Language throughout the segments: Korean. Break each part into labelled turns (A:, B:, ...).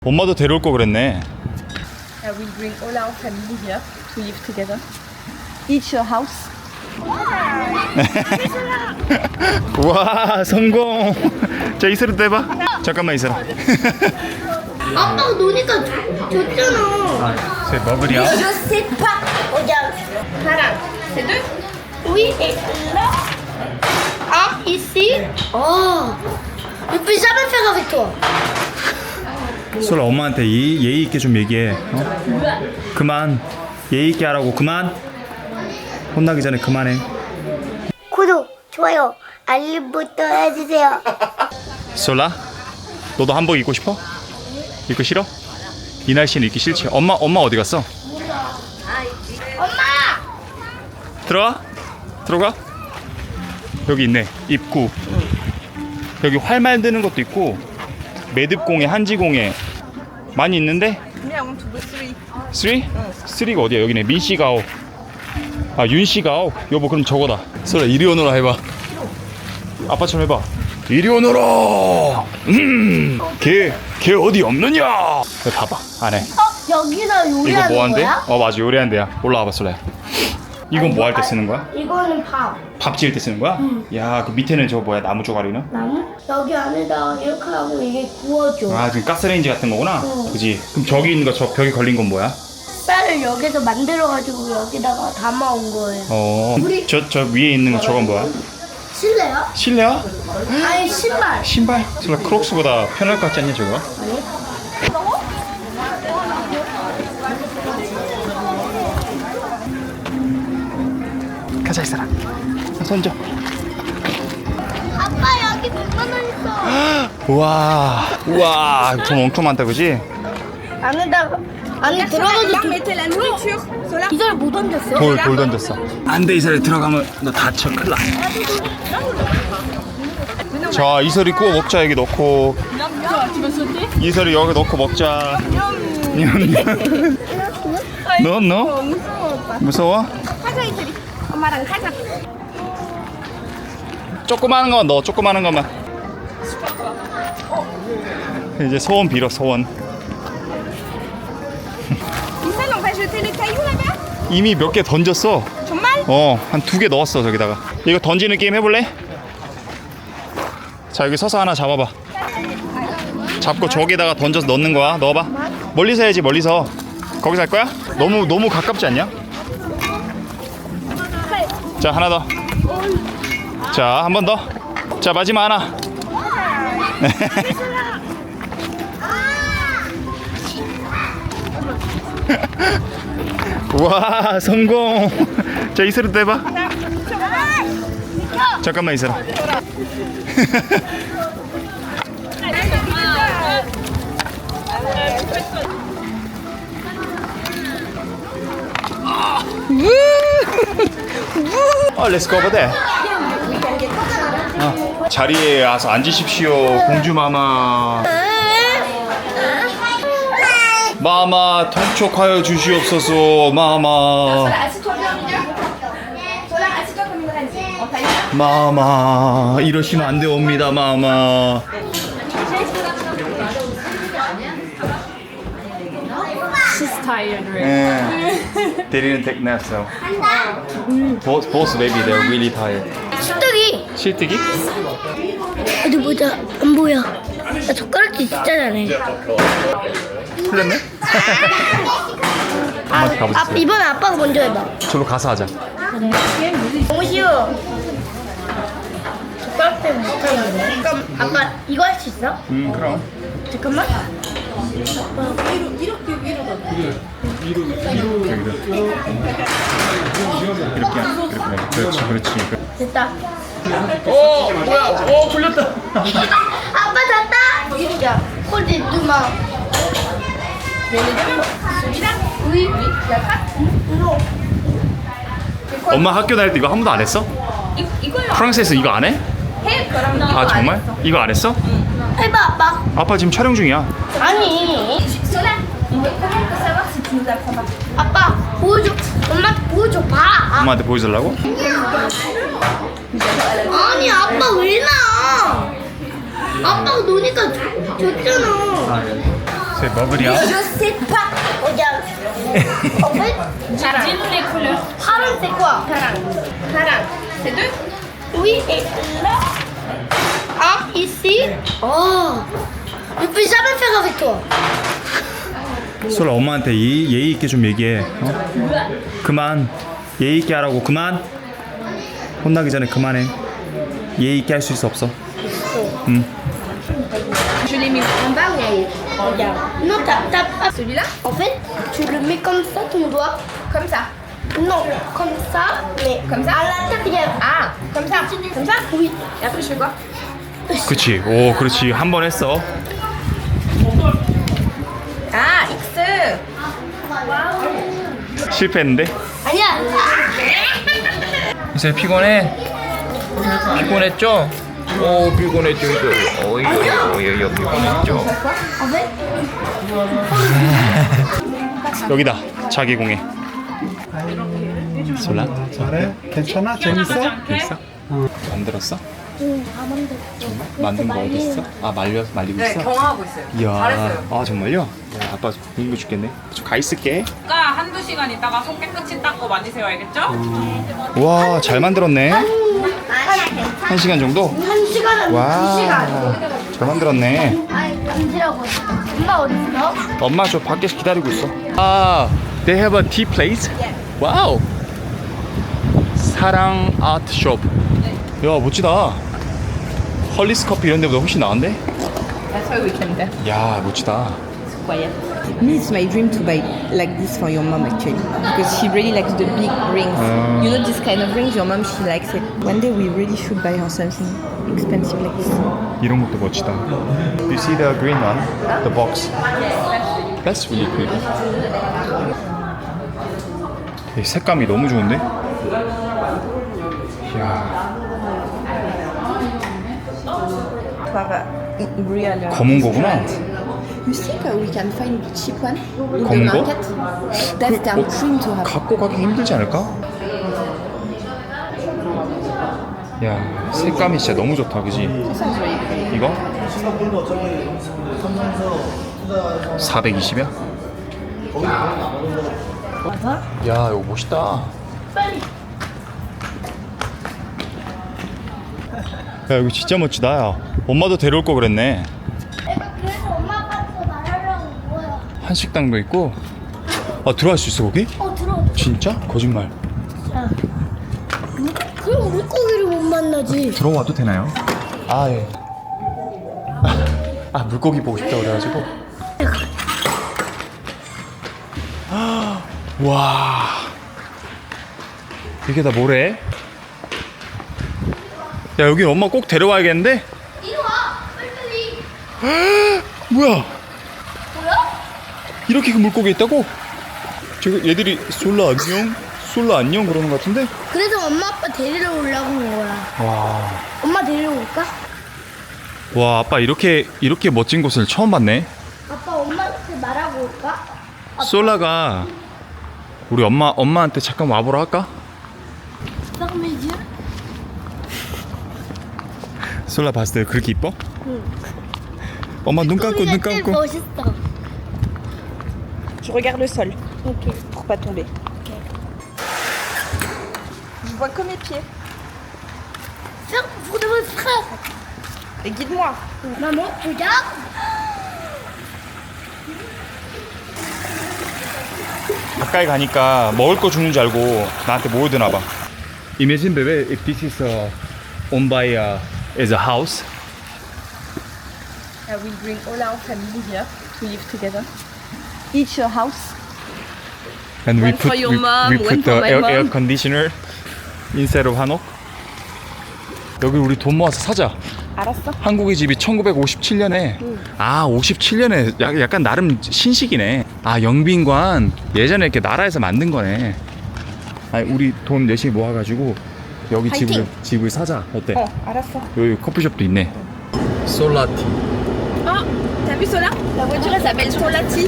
A: 엄마도 데려올 거 그랬네.
B: Yeah, we bring all our family here to live together. Each a house.
A: 와, 성공. 자, 이슬이 떼봐. 잠깐만 이슬아.
C: 아빠가 노니까 줬잖아.
A: 제 머글이야.
C: Je sais pas. Regarde.
B: Voilà. C'est deux.
C: Oui, et là. Un ici. Oh. Je peux jamais faire avec toi.
A: 솔아, 엄마한테 예의 있게 좀 얘기해. 어? 그만. 예의 있게 하라고. 그만. 혼나기 전에 그만해.
C: 구독, 좋아요, 알림부터 해주세요.
A: 솔라, 너도 한복 입고 싶어? 입고 싫어? 이 날씨는 입기 싫지. 엄마 어디 갔어?
C: 엄마!
A: 들어가. 들어가. 여기 있네. 입구. 여기 활 만드는 것도 있고 매듭공예, 한지공예 많이 있는데.
B: Me, I want to go three.
A: 3? 3가 어디야? 여기네. 민씨가오. 아, 윤씨가오. 여보, 그럼 저거다. 솔라, 이리 오너라 해봐. 아빠처럼 해봐. 이리 오너라. 걔 어디 없느냐? 이거 봐봐. 안 해.
C: 여기서
A: 이거
C: 요리하는
A: 뭐 한대?
C: 거야?
A: 맞아, 요리하는 데야. 올라와봐, 솔라야. 이건 뭐 할 때 쓰는 거야?
C: 이거는 밥.
A: 밥 지을 때 쓰는 거야? 야, 그 밑에는 저거 뭐야? 나무 조각이나?
C: 나무? 여기 안에다가 이렇게 하고 이게 구워줘.
A: 아, 지금 가스레인지 같은 거구나? 그지? 그럼 저기 있는 거, 저 벽에 걸린 건 뭐야?
C: 쌀을 여기서 만들어가지고 여기다가 담아온 거예요.
A: 저 위에 있는 거 저건 뭐야?
C: 실내요?
A: 실내야?
C: 아니 신발.
A: 신발? 솔라, 크록스보다 편할 것 같지 않냐, 저거? 가자, 이 사람. 손 줘.
C: 아빠 여기 100만 원 있어.
A: 우와, 돈 엄청 많다, 그지?
C: 안에다가 안에 들어가도
B: Là, mettez la nourriture. Cela.
C: 이걸 못 얹었어?
A: 돌 던졌어. 안 돼, 이슬이 들어가면 너 다쳐, 큰일 나. 자, 이슬이 구워 먹자, 여기 넣고.
B: Tu veux sauter?
A: 이슬이 여기 넣고 먹자. 너? 무서워?
B: 가자, 이슬이. 엄마랑 가자.
A: 조그마한 것만 넣어, 조그마한 것만. 이제 소원 빌어, 소원.
B: Isan, on va jeter les cailloux là-bas?
A: 이미 몇 개 던졌어.
B: 정말?
A: 한 2개 넣었어, 저기다가. 이거 던지는 게임 해볼래? 자, 여기 서서 하나 잡아봐. 잡고 저기다가 던져서 넣는 거야. 넣어봐. 멀리서 해야지, 멀리서. 거기서 할 거야? 너무 가깝지 않냐? 자, 하나 더. 자, 한 번 더. 자, 마지막 하나. 와, 성공. 자, 이슬이 떼봐. 잠깐만, 이슬아. Let's go over there. 자리에 와서 앉으십시오, 공주마마. 마마, 통촉하여 주시옵소서, 마마.
B: Assieds-toi bien au milieu. Sola, assieds-toi comme une reine. En taille.
A: 마마, 이러시면 안 되옵니다, 마마.
B: She's tired, right?
A: They didn't take naps, so. Both baby, they're really tired.
C: 쑥떡이.
A: 실뜨기?
C: 어디 보자. 안 보여. 나 젓가락질 진짜 잘해.
A: 틀렸네? 엄마한테 가보세요.
C: 이번에 아빠가 먼저 해봐.
A: 저로 가서 하자.
C: 너무 쉬워. 젓가락 때문에 못하는데. 그럼 아빠 이거 할 수 있어?
A: 그럼.
C: 잠깐만.
A: 이렇게. 그렇지.
C: 됐다.
A: 뭐야? 풀렸다.
C: 아빠 잤다. 야, 콜드 누마. 우리
A: 엄마 학교 다닐 때 이거 한 번도 안 했어?
B: 이거요.
A: 프랑스에서 이거 안 해?
B: 해, 그럼.
A: 아, 정말? 이거 안 했어?
C: 해봐 아빠.
A: 아빠 지금 촬영 중이야.
C: 아니.
B: Sola, on peut savoir si tu nous apprends pas.
C: 아빠 보여줘. 엄마한테 보여줘 봐.
A: 엄마한테 보여주려고?
C: 아니 아빠 왜 나? 아빠가 노니까 줬잖아.
A: C'est 버블이야.
C: Je sais pas. Regarde. En fait,
B: Dis-nous les couleurs.
C: Haran, c'est quoi?
B: Parang. C'est deux?
C: Oui, et là. Ah, ici. Oh. Je peux jamais faire avec toi.
A: 솔라 엄마한테 예의 있게 좀 얘기해. 그만. 예의 있게 하라고. 그만. 혼나기 전에 그만해. 예의 있게 할 수 있어 없어?
B: Je l'ai mis en bas ou en haut?
C: Regarde. Non, t'as pas.
B: Celui-là?
C: En fait, tu le mets comme ça, ton doigt.
B: Comme ça.
C: Non, comme ça, mais
B: Comme ça?
C: à l'intérieur.
B: Ah, comme ça. Comme ça?
C: Oui.
B: Et après, je fais quoi?
A: 그치. 오, 그렇지. 한 번 했어.
B: Ah, X.
A: 실패했는데?
C: 아니야.
A: 이제 피곤해? 피곤했죠? 오, 피곤했죠, 이거. 어이, 피곤했죠.
C: En fait,
A: 여기다. 자기 공예. 솔라?
D: 그래? 괜찮아? 재밌어?
A: 됐어? 만들었어?
C: 응, 다 만들어.
A: 만든 거 어디 있어? 아, 말리고
E: 네,
A: 있어?
E: 경험하고 있어요.
A: 이야.
E: 잘했어요.
A: 아, 정말요? 야, 아빠 공부 죽겠네. 좀 가 있을게.
E: 아까 한두 시간 있다가 손 깨끗이 닦고 만지세요, 알겠죠?
A: 와, 잘 만들었네.
C: 아니야,
A: 1시간 정도?
C: 한 시간은
A: 와,
C: 2시간.
A: 잘 만들었네.
C: 아니, 만지라고. 엄마 어디 있어?
A: 엄마 저 밖에서 기다리고 있어. 아, they have a tea place? 와우. 사랑 아트 숍. 야, 멋지다. 헐리스 커피 이런 데보다 훨씬 나은데?
E: That's why we came there.
A: 야, 멋지다.
E: Quiet. Me, it's my dream to buy like this for your mom actually, because she really likes the big rings. You know this kind of rings, your mom she likes it. One day we really should buy her something expensive like this.
A: 이런 것도 멋지다. You see the green one? The box. That's really pretty. 이 색감이 너무 좋은데? 이야,
E: To have a real.
A: 검은 거구나.
E: You think we can find the cheap one in the
A: 검은 거?
E: market? That's their dream to have.
A: 갖고 가기 힘들지 않을까? 야, 색감이 진짜 너무 좋다, 그지?
E: Sounds really pretty.
A: 이거? 420이야? 야, 이거 멋있다. 야, 이거 진짜 멋지다. 야. 엄마도 데려올 거 그랬네.
C: 그래서 엄마 아빠한테 말하려고 온 거야.
A: 한식당도 있고. 아, 들어갈 수 있어, 거기?
C: 들어.
A: 진짜? 거짓말.
C: 그럼 물고기를 못 만나지.
A: 들어와도 되나요? 아, 예. 아, 물고기 보고 싶다 그래가지고. 와, 이게 다 뭐래? 야, 여기 엄마 꼭 데려와야겠는데?
C: 이리 와. 빨리.
A: 뭐야?
C: 뭐야?
A: 이렇게 그 물고기 있다고? 저기 얘들이 솔라 안녕? 솔라 안녕 그러는 것 같은데?
C: 그래서 엄마 아빠 데리러 오려고 온 거야.
A: 와,
C: 엄마 데리러 올까?
A: 와, 아빠 이렇게 멋진 곳을 처음 봤네.
C: 아빠 엄마한테 말하고 올까?
A: 솔라가 우리 엄마한테 잠깐 와보라 할까?
C: Ferme mes yeux.
A: 솔라 봤을 때 그렇게 이뻐? 엄마 눈 감고 눈 감고.
C: 멋있어.
E: Je regarde le sol
C: 오케이.
E: pour pas tomber. Je vois que mes pieds.
C: Ferme pour de votre frère.
E: Et guide-moi.
C: Maman, regarde.
A: 가까이 가니까 먹을 거 주는 줄 알고 나한테 모여드나 봐. Imagine baby if this is owned by as a house.
B: I will bring all our family here to live together. Each a house.
A: And
B: One for your mom,
A: we
B: one
A: put
B: for
A: the
B: my
A: air
B: mom.
A: conditioner instead of 한옥. 여기 우리 돈 모아서 사자.
E: 알았어.
A: 한국의 집이 1957년에 아 57년에 약간 나름 신식이네. 아 영빈관 예전에 이렇게 나라에서 만든 거네. 아니 우리 돈 열심히 모아가지고 여기
E: 파이팅!
A: 집을 사자. 어때?
E: 알았어.
A: 여기 커피숍도 있네. 솔라티.
B: Oh, t'as vu Sola? La voiture elle s'appelle Solati.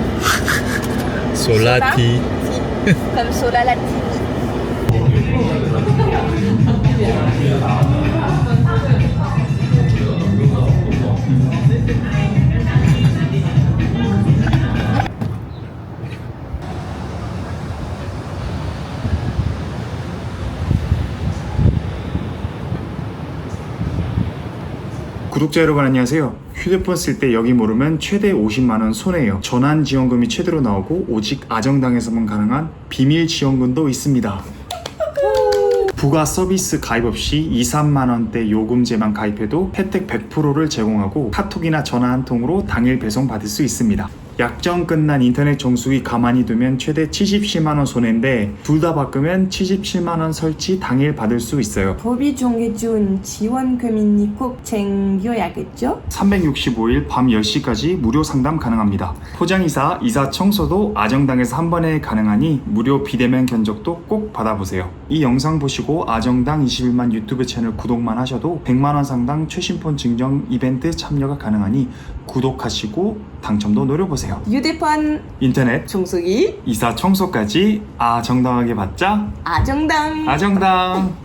A: 솔라티.
B: Comme Sola Lati.
F: 구독자 여러분 안녕하세요. 휴대폰 쓸 때 여기 모르면 최대 50만원 손해예요. 전환지원금이 최대로 나오고 오직 아정당에서만 가능한 비밀 지원금도 있습니다. 부가 서비스 가입 없이 2, 3만원대 요금제만 가입해도 혜택 100%를 제공하고 카톡이나 전화 한 통으로 당일 배송 받을 수 있습니다. 약정 끝난 인터넷 정수기 가만히 두면 최대 77만원 손해인데 둘 다 바꾸면 77만원 설치 당일 받을 수 있어요.
E: 법이 정해준 지원금이니 꼭 챙겨야겠죠?
F: 365일 밤 10시까지 무료 상담 가능합니다. 포장이사, 이사 청소도 아정당에서 한 번에 가능하니 무료 비대면 견적도 꼭 받아보세요. 이 영상 보시고 아정당 21만 유튜브 채널 구독만 하셔도 100만원 상당 최신폰 증정 이벤트 참여가 가능하니 구독하시고 당첨도 노려보세요.
E: 휴대폰,
F: 인터넷,
E: 청소기,
F: 이사 청소까지 아정당하게 받자.
E: 아정당.
F: 아정당.